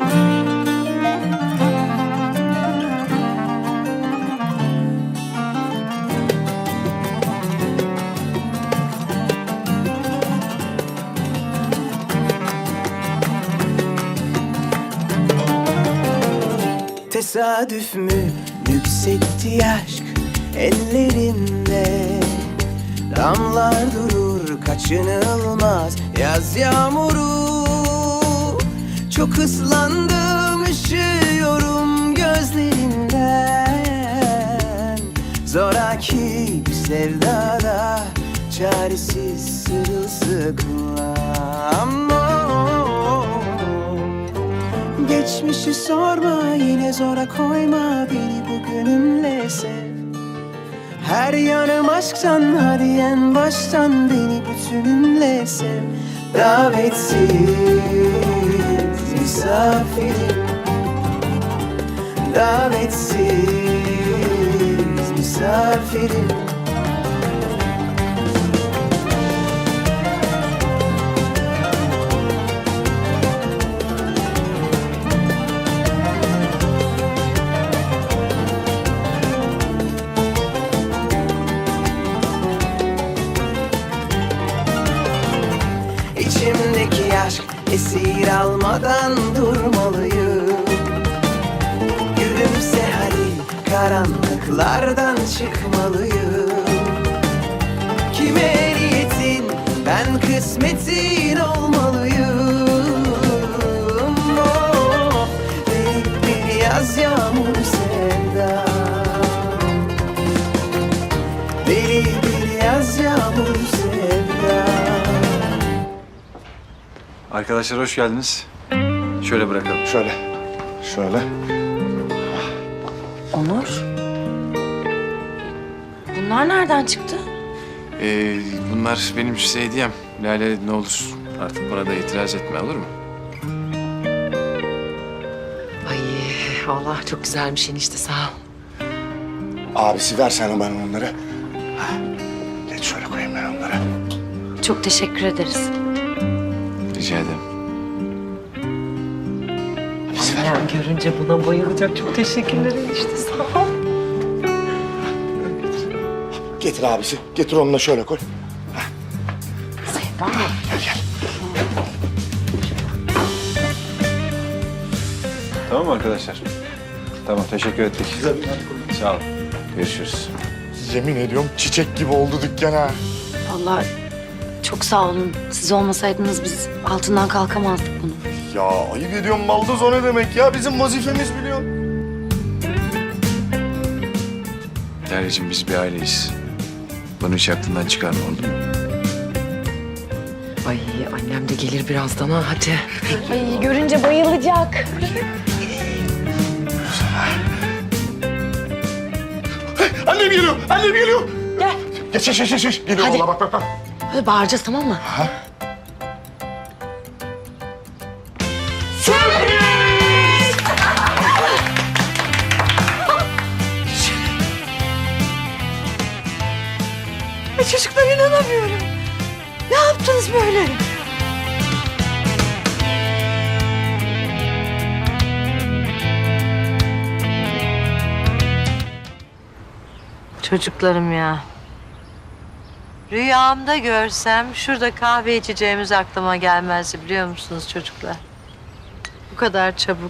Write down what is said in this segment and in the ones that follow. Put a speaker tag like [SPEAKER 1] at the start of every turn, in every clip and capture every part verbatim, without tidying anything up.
[SPEAKER 1] Tesadüf mü yükseltti aşk ellerinde? Damlar durur kaçınılmaz yaz yağmuru. Çok ıslandım üşüyorum gözlerinden. Zoraki bir sevdada çaresiz sırılsıklam. Geçmişi sorma, yine zora koyma beni, bugünümle sev. Her yanım aşktan, hadi en baştan beni bütünümle sev. Davetsiz misafirim, davetsiz misafirim. İçimdeki aşk esir almadan durmalıyım. Gülümse hadi, karanlıklardan çıkmalıyım. Kime niyetin, ben kısmetin olmalıyım. Oh, bir, bir yaz yağmur sevda, deli bir yaz yağmur sevda.
[SPEAKER 2] Arkadaşlar hoş geldiniz. Şöyle bırakalım.
[SPEAKER 3] Şöyle, şöyle.
[SPEAKER 4] Onur. Bunlar nereden çıktı?
[SPEAKER 2] Ee, bunlar benim size hediyem. Lale ne olur artık buna da itiraz etme, olur mu?
[SPEAKER 5] Ay vallahi çok güzelmiş enişte, sağ ol.
[SPEAKER 3] Abisi versene bana onları. Ha, geç şöyle koyayım ben onları.
[SPEAKER 4] Çok teşekkür ederiz.
[SPEAKER 2] Rica ederim.
[SPEAKER 5] Annem görünce buna bayılacak. Çok teşekkürler enişte, sağ ol.
[SPEAKER 3] Getir abisi, getir onu da şöyle koy.
[SPEAKER 5] Sevda.
[SPEAKER 3] Gel gel.
[SPEAKER 2] Tamam mı arkadaşlar? Tamam, teşekkür ettik. Sağ olun. Görüşürüz.
[SPEAKER 3] Yemin ediyorum çiçek gibi oldu dükkan ha.
[SPEAKER 4] Vallahi çok sağ olun. Siz olmasaydınız biz altından kalkamazdık bunu.
[SPEAKER 3] Ya ayıp ediyorum, baldız o ne demek ya? Bizim vazifemiz biliyorsun.
[SPEAKER 2] Lale'cim biz bir aileyiz. Bunu hiç aklından çıkarma, oldu mu?
[SPEAKER 5] Ay annem de gelir birazdan ha, hadi.
[SPEAKER 4] Ay görünce bayılacak.
[SPEAKER 3] Annem geliyor, annem geliyor.
[SPEAKER 4] Gel.
[SPEAKER 3] Geç geç geç geç. Geliyor
[SPEAKER 5] Hadi.
[SPEAKER 3] valla, bak bak bak.
[SPEAKER 5] Hadi bağıracağız, tamam mı?
[SPEAKER 3] Ha?
[SPEAKER 5] Ay çocuklar, inanamıyorum. Ne yaptınız böyle?
[SPEAKER 6] Çocuklarım ya. Rüyamda görsem şurada kahve içeceğimiz aklıma gelmezdi, biliyor musunuz çocuklar? Bu kadar çabuk.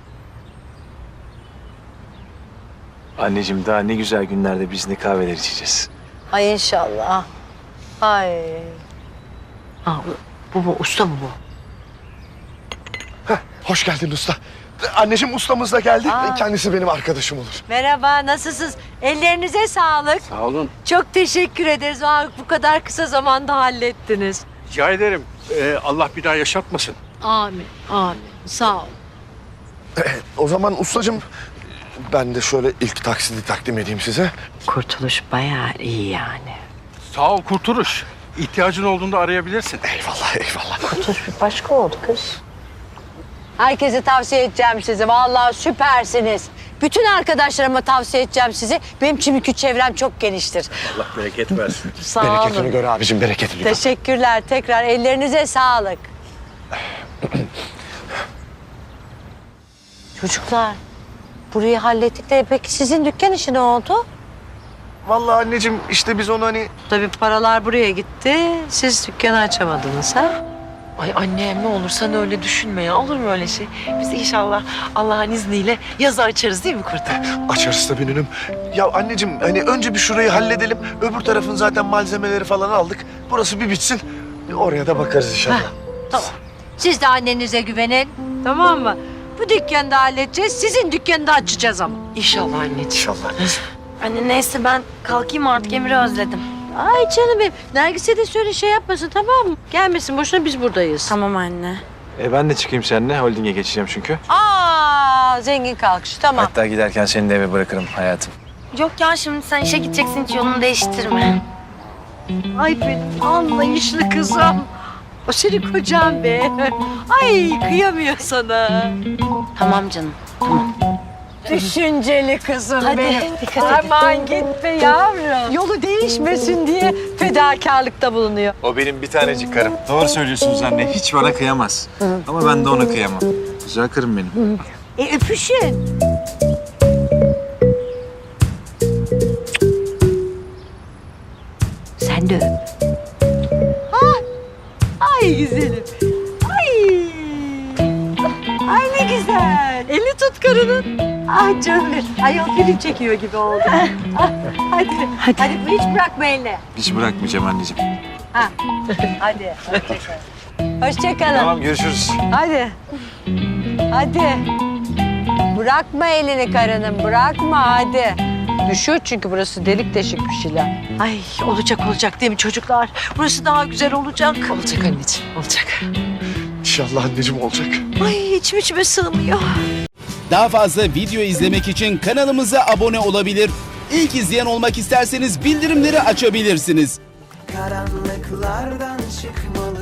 [SPEAKER 2] Anneciğim daha ne güzel günlerde biz ne kahveler içeceğiz.
[SPEAKER 6] Ay inşallah. Ay.
[SPEAKER 5] Ha, bu, bu usta mı bu?
[SPEAKER 3] Heh, hoş geldin usta. Anneciğim ustamız da geldi.
[SPEAKER 6] Aa.
[SPEAKER 3] Kendisi benim arkadaşım olur.
[SPEAKER 6] Merhaba, nasılsınız? Ellerinize sağlık.
[SPEAKER 7] Sağ olun.
[SPEAKER 6] Çok teşekkür ederiz. Aa, bu kadar kısa zamanda hallettiniz.
[SPEAKER 7] Rica ederim. Ee, Allah bir daha yaşatmasın.
[SPEAKER 6] Amin, amin. Sağ ol.
[SPEAKER 3] O zaman ustacığım ben de şöyle ilk taksidi takdim edeyim size.
[SPEAKER 6] Kurtuluş bayağı iyi yani.
[SPEAKER 7] Sağ ol Kurtuluş. İhtiyacın olduğunda arayabilirsin.
[SPEAKER 3] Eyvallah eyvallah.
[SPEAKER 6] Kurtuluş bir başka oldu kız. Herkese tavsiye edeceğim sizi. Vallahi süpersiniz. Bütün arkadaşlarıma tavsiye edeceğim sizi. Benim çünkü çevrem çok geniştir.
[SPEAKER 7] Allah bereket versin.
[SPEAKER 6] Sağ
[SPEAKER 3] Bereketini
[SPEAKER 6] olun.
[SPEAKER 3] gör abicim, bereketini gör.
[SPEAKER 6] Teşekkürler. Tekrar ellerinize sağlık. Çocuklar burayı hallettik de peki sizin dükkan işi ne oldu?
[SPEAKER 3] Vallahi anneciğim işte biz onu hani...
[SPEAKER 6] Tabii paralar buraya gitti. Siz dükkanı açamadınız ha?
[SPEAKER 5] Ay annem ne olur sen öyle düşünme ya. Olur mu öyle şey? Biz inşallah Allah'ın izniyle yazı açarız değil mi kurtum?
[SPEAKER 3] Açarız tabii nünüm. Ya anneciğim hani önce bir şurayı halledelim. Öbür tarafın zaten malzemeleri falan aldık. Burası bir bitsin. Oraya da bakarız inşallah.
[SPEAKER 6] Tamam. Siz de annenize güvenin. Tamam mı? Bu dükkanı da halledeceğiz. Sizin dükkanı da açacağız ama.
[SPEAKER 5] İnşallah anneciğim.
[SPEAKER 3] İnşallah.
[SPEAKER 4] Anne neyse ben kalkayım artık, Emir'i özledim.
[SPEAKER 6] Ay canım benim. Nergis'e de söyle şey yapmasın tamam mı? Gelmesin boşuna biz buradayız.
[SPEAKER 4] Tamam anne.
[SPEAKER 2] E ben de çıkayım seninle. Holding'e geçeceğim çünkü.
[SPEAKER 6] Aa zengin kalkış tamam.
[SPEAKER 2] Hatta giderken seni de eve bırakırım hayatım.
[SPEAKER 4] Yok ya, şimdi sen işe gideceksin, hiç yolunu değiştirme.
[SPEAKER 6] Ay benim anlayışlı kızım. O senin kocan be. Ay kıyamıyor sana.
[SPEAKER 4] Tamam canım, tamam.
[SPEAKER 6] Düşünceli kızım
[SPEAKER 4] Hadi,
[SPEAKER 6] benim.
[SPEAKER 4] dikkat et.
[SPEAKER 6] Aman gitme yavrum. Yolu değişmesin diye fedakarlıkta bulunuyor.
[SPEAKER 2] O benim bir tanecik karım. Doğru söylüyorsunuz anne. Hiç bana kıyamaz. Ama ben de ona kıyamam. Güzel karım benim.
[SPEAKER 6] E öpüşün. Sen de öp. Ha? Ay güzelim. Ay. Ay ne güzel. Eli tut karının. Ah canım benim. Ay o film çekiyor gibi oldu. Ah, hadi. Hadi. Hadi hiç bırakma elini.
[SPEAKER 2] Hiç bırakmayacağım anneciğim.
[SPEAKER 6] Ha. Hadi. Hoşçakalın. Hoşçakalın.
[SPEAKER 2] Tamam görüşürüz.
[SPEAKER 6] Hadi. Hadi. Bırakma elini karının, bırakma hadi. Düşüyor çünkü burası delik deşik bir şeyler. Ay olacak olacak değil mi çocuklar? Burası daha güzel olacak.
[SPEAKER 5] Olacak anneciğim, olacak.
[SPEAKER 3] İnşallah anneciğim olacak.
[SPEAKER 6] Ay içim içime sığmıyor.
[SPEAKER 8] Daha fazla video izlemek için kanalımıza abone olabilir. İlk izleyen olmak isterseniz bildirimleri açabilirsiniz.
[SPEAKER 1] Karanlıklardan çıkmalı